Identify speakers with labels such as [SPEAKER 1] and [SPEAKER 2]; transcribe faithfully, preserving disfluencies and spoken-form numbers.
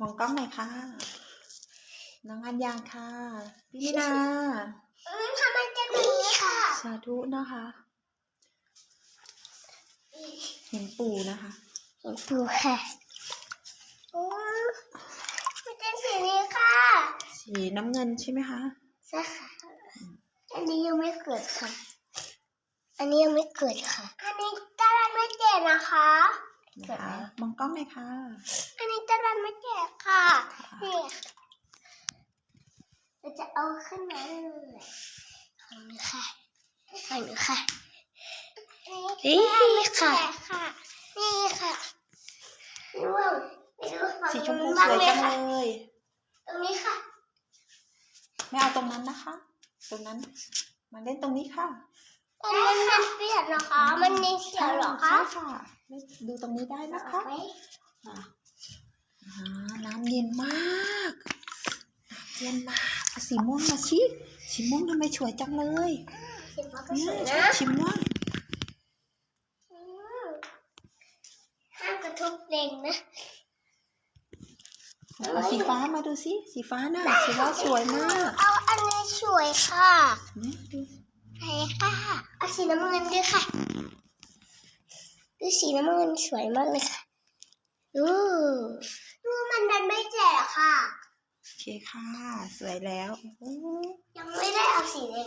[SPEAKER 1] องกล้องหน่อยค่ะน้องอัญญาค่ะพี่มินา
[SPEAKER 2] ทำไมจะมีค่ะ
[SPEAKER 1] สาธุนะคะเห็นปู่นะคะ
[SPEAKER 2] เห็นปู่ค่ะโอ้มันเป็นสีนี้ค่ะ
[SPEAKER 1] สีน้ำเงินใช่ไหมคะ
[SPEAKER 2] ใช่ค่ะอันนี้ยังไม่เกิดค่ะอันนี้ยังไม่เกิดค่ะอันนี้ตาลันไม่แก่นะคะ
[SPEAKER 1] นะคะมองกล้องหน่อยค่ะ
[SPEAKER 2] อันนี้ตาลันไม่แก่ค่ะนี่เราจะเอาขึ้นมาเลยของหนูค่ะของหนูค่ะนี่ค่ะนี่ค่ะร่วง
[SPEAKER 1] สีชมพูสวยจังเลย
[SPEAKER 2] ตรงนี้ค่ะ
[SPEAKER 1] ไม่เอาตรงนั้นนะคะ ตรงนั้นมาเล่นตรงนี้ค่ะ
[SPEAKER 2] ตรงนั้นมันเปียกนะคะมันมีเขียวหรอคะ
[SPEAKER 1] ใช่ค่ะดูตรงนี้ได้นะคะอ่าน้ำเย็นมากน้ำเย็นมากสีม่วงมาชิสีม่วงทำไมสวยจังเลยเนี่ยชิมม่วง
[SPEAKER 2] ห้ามกระทบแรงนะ
[SPEAKER 1] เอาสีฟ้ามาดูสิสีฟ้าน่ะสีฟ้าสวยมาก
[SPEAKER 2] เอาอันนี้สวยค่ะ
[SPEAKER 1] เนี่ยดู
[SPEAKER 2] ใช่ค่ะเอาสีน้ำเงินด้วยค่ะดูสีน้ำเงินสวยมากเลยค่ะดูดูมันดันไม่แจ่ค่ะ
[SPEAKER 1] โอเคค่ะสวยแล้ว
[SPEAKER 2] ยังไม่ได้เอาสีแดง